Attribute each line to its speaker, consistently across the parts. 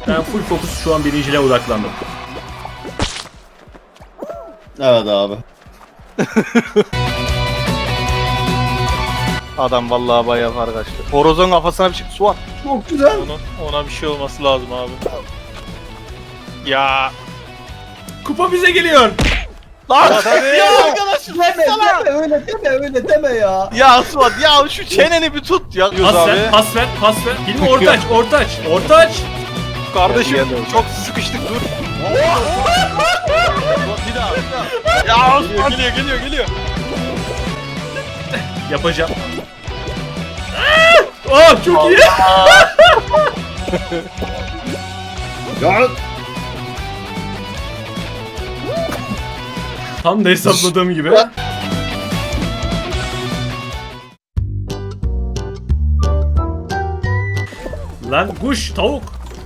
Speaker 1: Ben full fokus şu an birinciliğe odaklandım.
Speaker 2: Evet abi.
Speaker 3: Adam vallahi bayağı fark açtı. Horozun kafasına bir şey su at.
Speaker 2: Çok güzel.
Speaker 4: Ona bir şey olması lazım abi. Ya.
Speaker 1: Kupa bize geliyor.
Speaker 3: Lan
Speaker 4: Tabii.
Speaker 3: ya arkadaşım
Speaker 2: Öyle deme ya.
Speaker 3: ya Suat ya şu çeneni bir tut ya.
Speaker 1: Pas ver. Hilmi orta aç.
Speaker 3: Kardeşim çok sıkıştık dur. Bir daha. Ya Osman geliyor.
Speaker 1: Yapacağım. Çok iyi.
Speaker 2: Ya.
Speaker 1: Tam da hesapladığım gibi. Lan kuş, tavuk.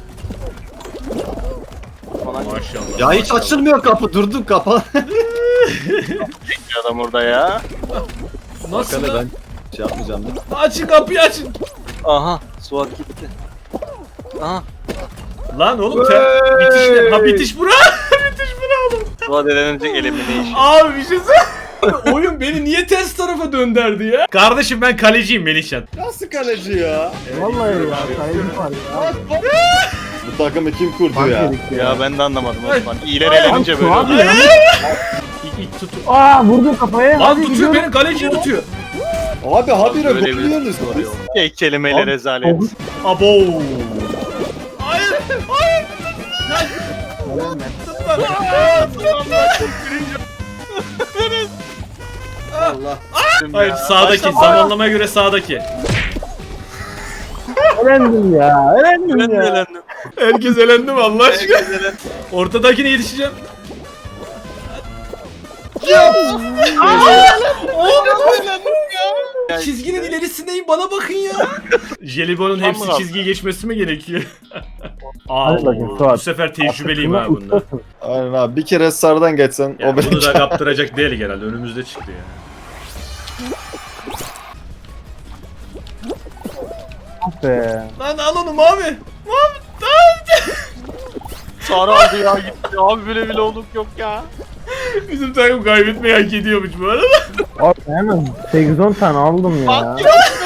Speaker 1: Maşallah.
Speaker 2: Ya hiç açılmıyor kapı. Durdum kapalı.
Speaker 3: Adam orada ya.
Speaker 1: Nasıl
Speaker 2: Bakana
Speaker 1: lan?
Speaker 2: ben şey yapmayacağım.
Speaker 1: Açın kapıyı açın.
Speaker 3: Aha Suat gitti. Aha
Speaker 1: Lan oğlum bitiş ne? Ha bitiş bura. Bitiş bura oğlum.
Speaker 3: Suat elenecek elimination.
Speaker 1: Abi bir şey söyle. Oyun beni niye ters tarafa döndürdü ya? Kardeşim ben kaleciyim Melihcan.
Speaker 2: Nasıl kaleci ya?
Speaker 5: Vallahi ya. Kaleci var ya.
Speaker 2: Bu takımı kim kurdu ya?
Speaker 3: Ya ben de anlamadım Osman. İyiler elenince böyle
Speaker 5: Suat
Speaker 3: oluyor.
Speaker 5: ya.
Speaker 1: İlk tut.
Speaker 5: Aa vurdu kafaya.
Speaker 1: Lan
Speaker 5: Hadi
Speaker 1: tutuyor
Speaker 5: gidiyorum.
Speaker 1: beni kaleciyi tutuyor.
Speaker 2: Abi habire
Speaker 3: Böyle bir
Speaker 2: goluyorsunuz.
Speaker 3: soru yok. Tek kelimeyle rezalet.
Speaker 1: Abo. Hayır.
Speaker 2: Allah.
Speaker 1: Hayır sağdaki zamanlamaya göre sağdaki.
Speaker 5: Elendim ya. Elendim
Speaker 3: Ben de
Speaker 5: ya.
Speaker 3: elendim.
Speaker 1: Herkes elendi mi Allah aşkına?
Speaker 3: Herkes elendi.
Speaker 1: Ortadakine yetişeceğim. Çizginin ilerisindeyim bana bakın ya. Jelibon'un hepsi
Speaker 3: Tamam.
Speaker 1: çizgiyi geçmesi mi gerekiyor?
Speaker 5: Hadi bakayım,
Speaker 1: Bu
Speaker 5: Suat.
Speaker 1: sefer tecrübeliyim ha bunda.
Speaker 5: Ustasın.
Speaker 2: Aynen abi bir kere sarıdan geçsen
Speaker 1: Ya
Speaker 2: o beni
Speaker 1: bunu da kaptıracak değil herhalde önümüzde çıktı ya.
Speaker 5: Ah be.
Speaker 1: Lan al onu mavi.
Speaker 3: Sarı aldı ya gitti. Abi böyle bile olduk yok ya.
Speaker 1: Bizim takım kaybetmeyi hak ediyormuş bu arada.
Speaker 5: Abi hemen 8-10 tane aldım ya.
Speaker 3: Bak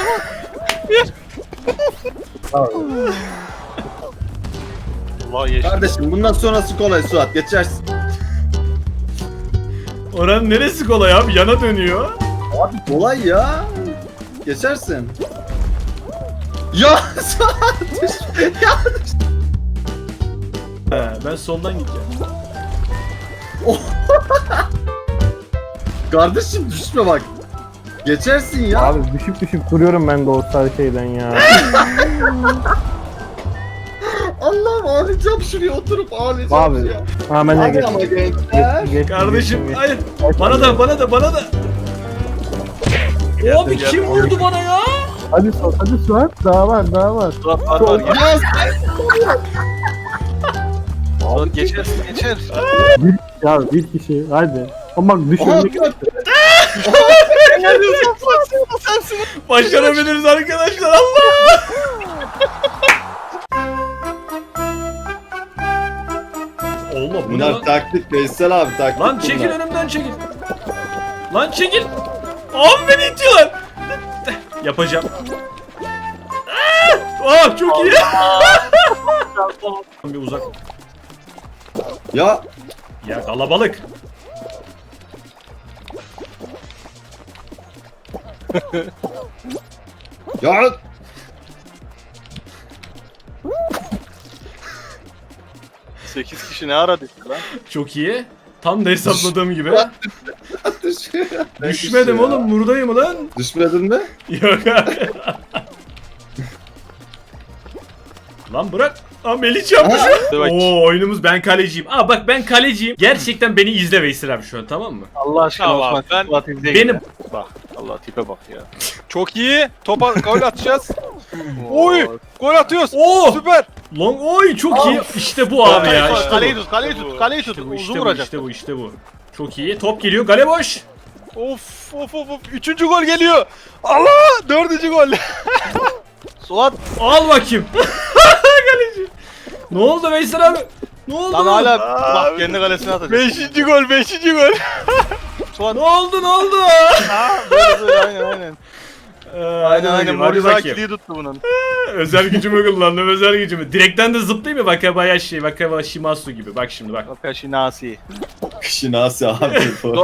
Speaker 3: Allah yeşil.
Speaker 2: Kardeşim bundan sonrası kolay Suat geçersin.
Speaker 1: Oranın neresi kolay abi yana dönüyor.
Speaker 2: Abi kolay ya. Geçersin. Ya Suat ya.
Speaker 1: He, ben soldan gideceğim.
Speaker 2: Kardeşim düşme bak. Geçersin ya.
Speaker 5: Abi düşüp duruyorum ben de o sarı şeyden ya.
Speaker 2: Allah'ım ağlayacağım şuraya oturup ağlayacağım
Speaker 5: Abi.
Speaker 2: ya.
Speaker 5: Ha ben de
Speaker 2: Hadi
Speaker 5: geç.
Speaker 2: ama gençler.
Speaker 1: Kardeşim hayır. Bana da. Abi
Speaker 3: gel.
Speaker 1: kim vurdu bana ya?
Speaker 5: Hadi Suat. Daha var.
Speaker 3: Suat var gel.
Speaker 2: Ya
Speaker 3: Suat geçersin geçer.
Speaker 5: Ya bir kişi hadi. Ama bak
Speaker 2: Aha,
Speaker 5: düşürdük.
Speaker 2: Suat.
Speaker 1: Başarabiliriz arkadaşlar Allah. Allah bu ne
Speaker 2: Bunlar
Speaker 1: lan?
Speaker 2: taktik Veysel abi taktik.
Speaker 1: Lan çekil
Speaker 2: bunlar.
Speaker 1: önümden çekil. Lan çekil. Abi beni itiyorlar. Yapacağım. Çok iyi. Bir uzak.
Speaker 2: Ya
Speaker 1: Ya kalabalık.
Speaker 2: ya
Speaker 3: 8 kişi ne ara düştü lan?
Speaker 1: Çok iyi. Tam da hesapladığım gibi.
Speaker 2: düşüyor.
Speaker 1: Düşmedim oğlum buradayım lan.
Speaker 2: Düşmedin mi?
Speaker 1: Yok abi. Lan bırak. Aa Melih yapmış. Oo oyunumuz ben kaleciyim. Aa bak ben kaleciyim. Gerçekten beni izle Veysel abi şu an tamam mı?
Speaker 3: Allah aşkına
Speaker 4: Tamam,
Speaker 3: Osman.
Speaker 4: ben-
Speaker 3: Suat izle
Speaker 1: Benim-
Speaker 3: yine. Bak Allah tipe bak ya.
Speaker 4: Çok iyi. Topa gol atacağız. Oy! Gol atıyoruz.
Speaker 1: Oo!
Speaker 4: Süper.
Speaker 1: Lan oy çok iyi. İşte bu abi ya. İşte
Speaker 3: Kaleyi
Speaker 1: bu.
Speaker 3: tut, kaleyi tut, kaleyi tut.
Speaker 1: İşte bu,
Speaker 3: Uzun
Speaker 1: işte bu,
Speaker 3: vuracak.
Speaker 1: işte bu. Çok iyi. Top geliyor. Gale boş.
Speaker 4: Of. Üçüncü gol geliyor. Allah! Dördüncü gol.
Speaker 3: Suat
Speaker 1: Al bakayım. Kaleci. Ne oldu Veysel abi? Ne oldu?
Speaker 3: Lan hala bak kendi kalesine atacak.
Speaker 4: 5. gol 5. gol.
Speaker 3: Suat.
Speaker 1: Ne oldu ne oldu?
Speaker 3: Böyle aynen. Aynen
Speaker 1: Hadi
Speaker 3: Moriza
Speaker 1: bakayım.
Speaker 3: kiliği tuttu bunun.
Speaker 1: Özel gücümü kullandım özel gücümü. Direkten de zıplayayım mı? Wakabayashi, Wakabayashi gibi. Bak şimdi bak.
Speaker 3: Wakashi Nasi.
Speaker 2: Şinasi abi bu.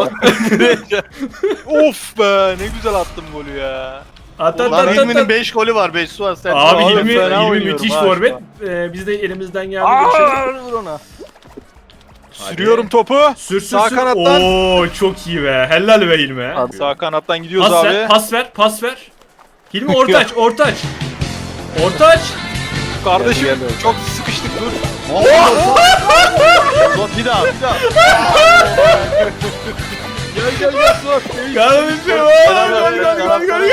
Speaker 4: Of be ne güzel attım golü ya.
Speaker 1: At
Speaker 3: Lan Hilmi'nin 5 golü var 5 Suat sen.
Speaker 1: Abi
Speaker 3: Oğlum,
Speaker 1: Hilmi
Speaker 3: fena oynuyorum
Speaker 1: müthiş
Speaker 3: ha
Speaker 1: forvet.
Speaker 3: şu an.
Speaker 1: Biz de elimizden geldi. Hadi.
Speaker 3: Vur ona.
Speaker 4: Sürüyorum topu.
Speaker 1: Sür
Speaker 4: Sağ
Speaker 1: sür.
Speaker 4: kanattan.
Speaker 1: Oo çok iyi be. Helal be Hilmi.
Speaker 4: Sağ kanattan gidiyoruz
Speaker 1: Pas
Speaker 4: abi.
Speaker 1: ver, pas ver. Hilmi orta aç. Orta aç.
Speaker 4: Kardeşim
Speaker 3: Geldi.
Speaker 4: çok sıkıştık dur.
Speaker 3: Suat bir daha. Gel Suat.
Speaker 1: Kardeşim. Gol.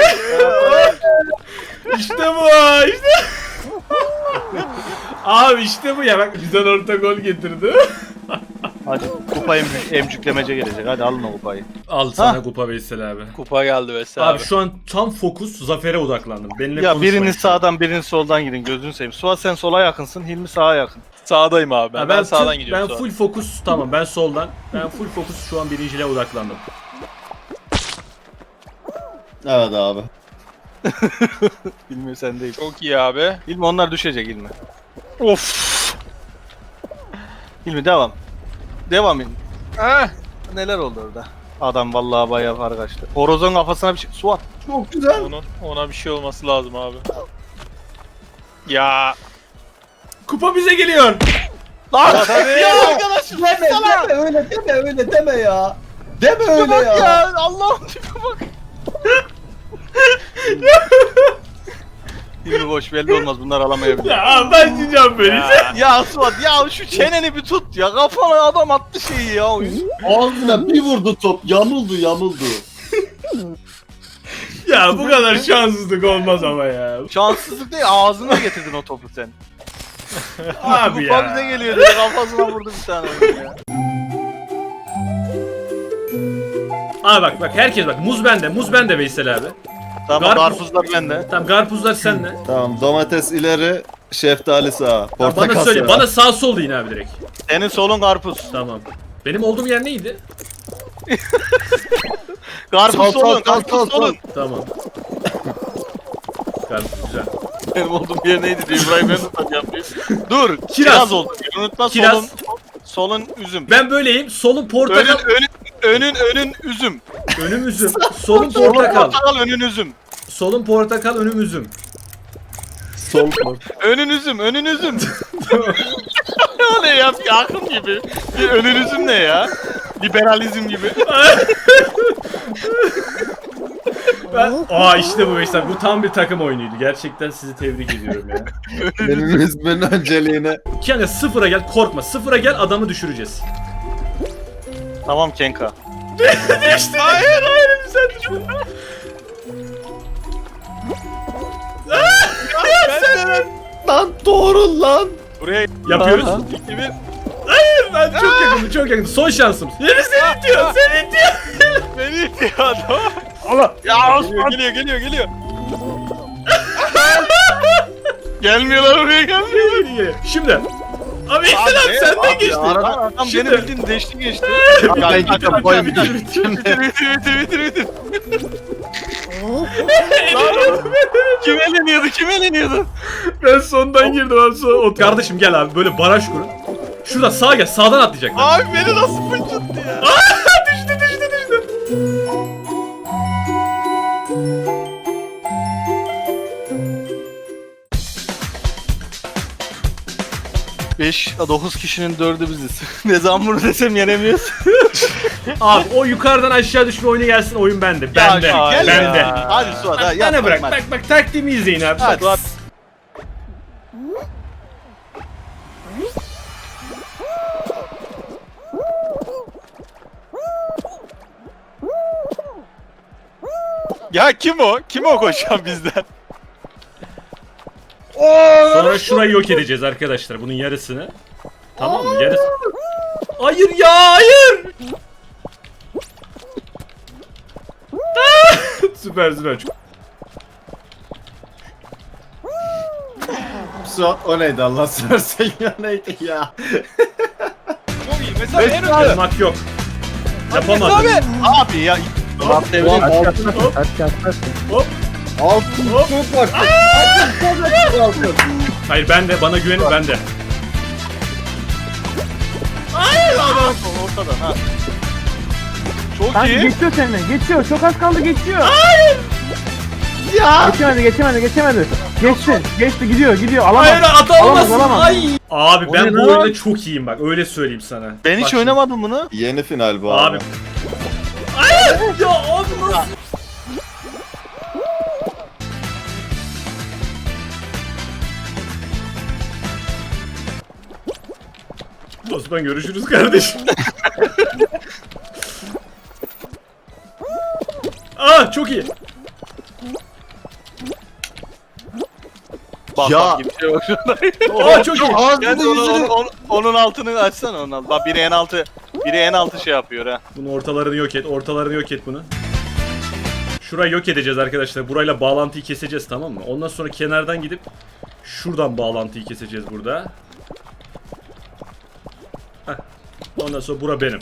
Speaker 1: İşte bu. Abi işte bu ya. Bak güzel orta gol getirdi.
Speaker 3: Hadi kupa emcüklemece gelecek. Hadi alın o kupayı.
Speaker 1: Al sana kupa Veysel abi.
Speaker 4: Kupa geldi Veysel
Speaker 1: Abi şu an tam fokus zafere odaklandım. Benimle
Speaker 3: Ya
Speaker 1: konuşmayın
Speaker 3: biriniz
Speaker 1: şu an.
Speaker 3: sağdan biriniz soldan gidin gözünü seveyim. Suat sen sola yakınsın, Hilmi sağa yakın.
Speaker 4: Sağdayım abi ben.
Speaker 1: Ha,
Speaker 4: Ben sağdan gidiyorum.
Speaker 1: Ben full fokus tamam ben soldan. Ben full fokus şu an birinciliğe odaklandım.
Speaker 2: Evet abi.
Speaker 3: Hilmi sen değil.
Speaker 4: Çok iyi abi.
Speaker 3: Hilmi onlar düşecek Hilmi.
Speaker 4: Of.
Speaker 3: Hilmi devam. Devam Hilmi.
Speaker 4: Heh.
Speaker 3: Neler oldu orada? Adam vallahi bayağı fark açtı. Horozun kafasına bir şey. Suat.
Speaker 2: Çok güzel.
Speaker 4: Ona bir şey olması lazım abi. Ya.
Speaker 1: Kupa bize geliyor.
Speaker 3: Lan!
Speaker 2: Ya arkadaşım deme öyle deme ya. Deme öyle
Speaker 3: Bak
Speaker 2: ya.
Speaker 3: ya Allah'ım tipe bak. Hilmi boş belli olmaz bunlar alamayabilir.
Speaker 1: Ya ben diyeceğim böyle.
Speaker 3: Ya Suat ya şu çeneni bir tut ya kafana adam attı şeyi ya.
Speaker 2: Ağzına bir vurdu top. Yamuldu.
Speaker 1: Ya bu kadar şanssızlık olmaz ama ya.
Speaker 3: Şanssızlık değil ağzına getirdin o topu sen.
Speaker 1: Abi
Speaker 3: Kupa bize
Speaker 1: ya.
Speaker 3: geliyor diye kafasına vurdu bir tane ya.
Speaker 1: Abi bak herkes bak muz bende Veysel abi.
Speaker 3: Tamam
Speaker 1: Karpuz-
Speaker 3: karpuzlar bende.
Speaker 1: Tamam karpuzlar sende.
Speaker 2: Tamam domates ileri, şeftali sağa.
Speaker 1: Ya
Speaker 2: Portakal
Speaker 1: bana söyle
Speaker 2: sağa.
Speaker 1: bana sağ sol deyin abi direkt.
Speaker 3: Senin solun karpuz.
Speaker 1: Tamam. Benim olduğum yer neydi?
Speaker 3: Karpuz
Speaker 2: Sol,
Speaker 3: solun,
Speaker 2: sol,
Speaker 3: karpuz
Speaker 2: sol, sol.
Speaker 3: solun.
Speaker 1: Tamam. Karpuz güzel.
Speaker 3: Benim olduğum yer neydi diye İbrahim ben tutacağım diye. Dur,
Speaker 1: Kiraz.
Speaker 3: kiraz oldu. Unutma
Speaker 1: Kiraz.
Speaker 3: solun üzüm.
Speaker 1: Ben böyleyim. Solum portakal.
Speaker 3: Önün üzüm.
Speaker 1: Önüm üzüm. Solum
Speaker 3: Solun
Speaker 1: portakal.
Speaker 3: portakal, önün üzüm.
Speaker 1: Solum portakal, önüm üzüm.
Speaker 2: Sol port.
Speaker 3: Önün üzüm. O ne ya? Bir akım gibi. Bir önün üzüm ne ya? Liberalizm gibi.
Speaker 1: İşte bu Veysel. Bu tam bir takım oyunuydu. Gerçekten sizi tebrik ediyorum ya.
Speaker 2: Benim ismin önceliğine.
Speaker 1: Kanka sıfıra gel korkma. Sıfıra gel adamı düşüreceğiz.
Speaker 3: Tamam Kenka.
Speaker 1: İşte. Hayır sen düşün.
Speaker 2: Lan doğru lan.
Speaker 3: Buraya
Speaker 1: Yapıyoruz.
Speaker 2: Aha.
Speaker 3: gibi.
Speaker 1: Ben çok yakındı. Son şansım. Yeni seni itiyor.
Speaker 3: Beni itiyor adam.
Speaker 1: Allah.
Speaker 3: Ya
Speaker 4: Geliyor.
Speaker 3: Gelmiyorlar oraya gelmiyorlar.
Speaker 1: Şimdi. Abi Veysel abi senden geçti.
Speaker 3: Adam
Speaker 1: Şimdi-
Speaker 3: beni bildiğin geçti.
Speaker 2: Ben
Speaker 3: Bitir. Kim eleniyordu?
Speaker 1: Ben sondan girdim abi. Kardeşim gel abi böyle baraj kurun. Şurada sağa gel. Sağdan atlayacaklar.
Speaker 3: Abi beni nasıl fıçıttı ya?
Speaker 1: Düştü.
Speaker 3: 9 kişinin 4'ü biziz. Ne zaman bunu desem yenemiyoruz.
Speaker 1: Abi o yukarıdan aşağı düşme oyunu gelsin oyun bende. Bende.
Speaker 3: gel
Speaker 1: Bende.
Speaker 3: ya. Hadi Suat hadi.
Speaker 1: Bana bırak.
Speaker 3: hadi.
Speaker 1: Bak taktiğimi izleyin abi.
Speaker 3: Hadi.
Speaker 1: Bak.
Speaker 4: Ya kim o? Kim o koşan bizden?
Speaker 1: Sonra şurayı yok edeceğiz arkadaşlar. Bunun yarısını. Tamam mı? Yarısı. Hayır ya hayır. Süper.
Speaker 2: Suat o neydi Allah seversen ya neydi ya?
Speaker 4: Çok iyi. Mesela en önde.
Speaker 1: Yapmak yok. Yapamadım.
Speaker 4: Abi.
Speaker 3: Abi ya. Murat devrim.
Speaker 2: Altın
Speaker 1: Hop.
Speaker 2: çok var. Altın.
Speaker 1: Hayır ben de, bana güvenin, ben de.
Speaker 3: Ortada ha. Çok
Speaker 5: Kanka
Speaker 3: iyi.
Speaker 5: geçiyor seni. Geçiyor. Çok az kaldı geçiyor. Hayır. Ya. Geçemedi. Geçti gidiyor. Alamaz.
Speaker 1: Hayır atamazsın.
Speaker 5: Alamaz.
Speaker 1: Ay. Abi ben
Speaker 5: O ne
Speaker 1: bu
Speaker 5: lan?
Speaker 1: oyunda çok iyiyim bak, öyle söyleyeyim sana.
Speaker 3: Ben hiç
Speaker 1: Bak
Speaker 3: oynamadım bunu.
Speaker 2: Yeni final bu
Speaker 1: Abi.
Speaker 2: abi.
Speaker 1: Hayır. Ya abi nasıl? Osman görüşürüz kardeşim. Aa çok iyi.
Speaker 3: Bak
Speaker 2: Ya.
Speaker 3: bak gibi bir şey yok şurada.
Speaker 1: Aa çok iyi.
Speaker 3: Gel onun altını açsana onun altını. Bak biri en altı şey yapıyor ha.
Speaker 1: Bunu ortalarını yok et. Ortalarını yok et bunu. Şurayı yok edeceğiz arkadaşlar. Burayla bağlantıyı keseceğiz, tamam mı? Ondan sonra kenardan gidip şuradan bağlantıyı keseceğiz burada. Heh. Ondan sonra bura benim.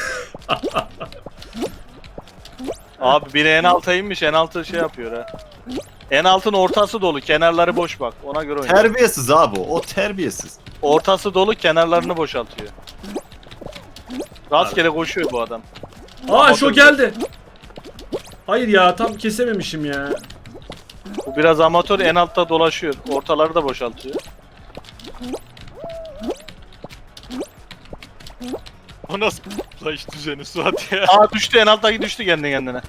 Speaker 3: Abi biri en alta inmiş, en altı şey yapıyor ha. En altın ortası dolu, kenarları boş bak. Ona göre oyna.
Speaker 2: Terbiyesiz abi o terbiyesiz.
Speaker 3: Ortası dolu, kenarlarını boşaltıyor. Rastgele koşuyor bu adam.
Speaker 1: Aa şu geldi. Hayır ya, tam kesememişim ya.
Speaker 3: Bu biraz amatör, en altta dolaşıyor. Ortaları da boşaltıyor.
Speaker 4: O nasıl flash düzeni Suat ya?
Speaker 3: Aa düştü, en alttaki düştü kendi kendine.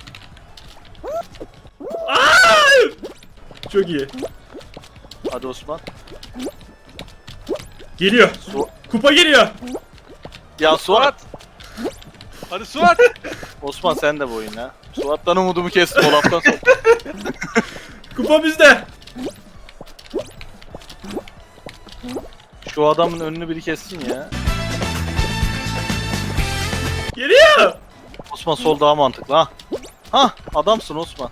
Speaker 1: Çok iyi.
Speaker 3: Hadi Osman.
Speaker 1: Geliyor. Kupa geliyor.
Speaker 3: Ya Suat.
Speaker 4: Hadi Suat.
Speaker 3: Osman sen de bu oyun ha. Suat'tan umudumu kestim o laftan sonra.
Speaker 1: Kupa bizde.
Speaker 3: Şu adamın önünü biri kessin ya.
Speaker 1: Geliyor.
Speaker 3: Osman sol daha mantıklı ha. Hah adamsın Osman.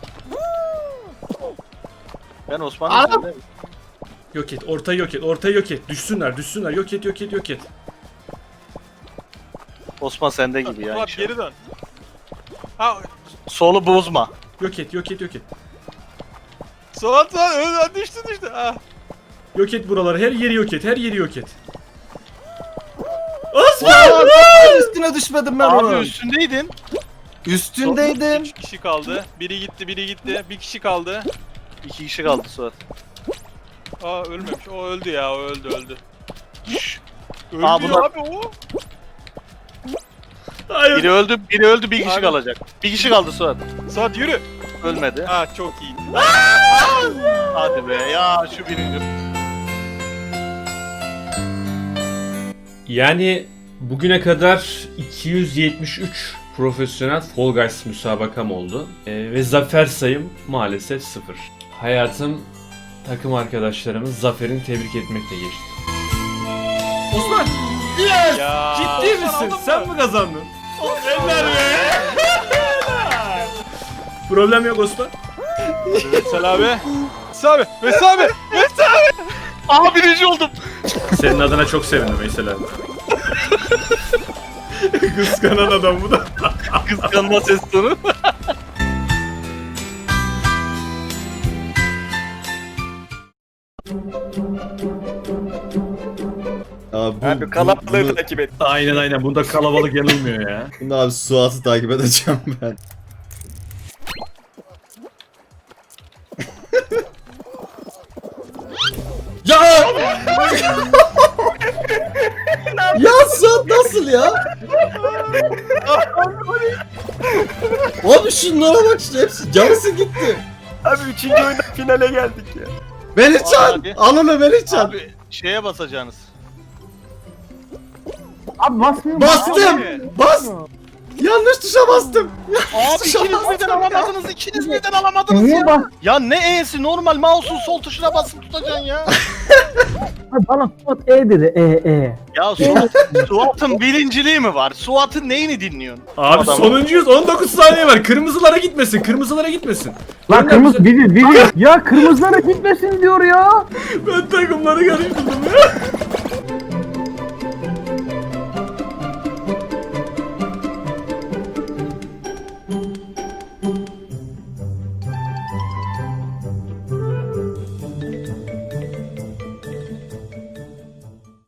Speaker 3: Ben Osman'ım.
Speaker 1: Yok et. Ortayı yok et. Ortayı yok et. Düşsünler. Yok et.
Speaker 3: Osman sende gibi ya.
Speaker 4: Suat
Speaker 3: inşallah.
Speaker 4: geri dön. Ha
Speaker 3: Solu bozma.
Speaker 1: Yok et.
Speaker 4: Suat düştü. Ha.
Speaker 1: Yok et buraları. Her yeri yok et.
Speaker 2: Aa,
Speaker 1: Osman!
Speaker 2: üstüne düşmedim ben
Speaker 3: Abi
Speaker 2: onun.
Speaker 3: üstündeydin.
Speaker 2: Üstündeydim.
Speaker 4: 3 kişi kaldı. Biri gitti. Bir kişi kaldı.
Speaker 3: 2 kişi kaldı Suat.
Speaker 4: Aa ölmemiş. O öldü ya. O öldü. Öldü
Speaker 3: Aa, bunlar-
Speaker 4: abi o.
Speaker 1: Hayır.
Speaker 3: Biri öldü, bir kişi
Speaker 4: Abi.
Speaker 3: kalacak. Bir kişi kaldı Suat.
Speaker 4: Suat yürü.
Speaker 3: Ölmedi.
Speaker 4: Ha çok iyi.
Speaker 3: Hadi be ya şu birinci.
Speaker 1: Yani bugüne kadar 273 profesyonel Fall Guys müsabakam oldu. Ve zafer sayım maalesef 0. Hayatım takım arkadaşlarımız zaferini tebrik etmekle geçti. Osman! Yes!
Speaker 4: Ya,
Speaker 1: Ciddi
Speaker 4: Osman
Speaker 1: misin?
Speaker 4: aldın
Speaker 1: Sen
Speaker 4: mı?
Speaker 1: mi kazandın? Eller be! Problem yok Osman.
Speaker 4: Veysel abi. Veysel abi.
Speaker 3: Aa birinci oldum.
Speaker 1: Senin adına çok sevindim Veysel abi. Kıskanan adam bu da.
Speaker 3: Kıskanma ses tonu.
Speaker 2: Abi,
Speaker 3: kalabalığı takip et.
Speaker 1: Aynen. Bunda kalabalık yanılmıyor ya.
Speaker 2: Bunu abi Suat'ı takip edeceğim ben. Ya! Ya Suat nasıl ya? Abi şunlara bak işte hepsi yarısı gitti.
Speaker 3: Abi 3. oyunda finale geldik ya.
Speaker 2: Melihcan!
Speaker 3: Abi.
Speaker 2: Al onu Melihcan!
Speaker 3: Abi şeye basacaksınız.
Speaker 5: Abi basmıyor.
Speaker 2: Bastım! Bas! Yanlış tuşa bastım.
Speaker 3: Abi ikiniz birden alamadınız, ikiniz birden alamadınız
Speaker 5: Niye
Speaker 3: ya.
Speaker 5: bas?
Speaker 3: Ya ne E'si normal mouse'un sol tuşuna basıp tutacaksın ya.
Speaker 5: Bana Suat dedi.
Speaker 3: Ya Suat'ın birinciliği mi var? Suat'ın neyini dinliyorsun?
Speaker 1: Abi
Speaker 3: Adam-
Speaker 1: sonuncuyuz. 19 saniye var. Kırmızılara gitmesin. Kırmızılara gitmesin.
Speaker 5: Lan kırmızı biri. Ya kırmızılara gitmesin diyor ya.
Speaker 1: Ben takımları karıştırdım ya.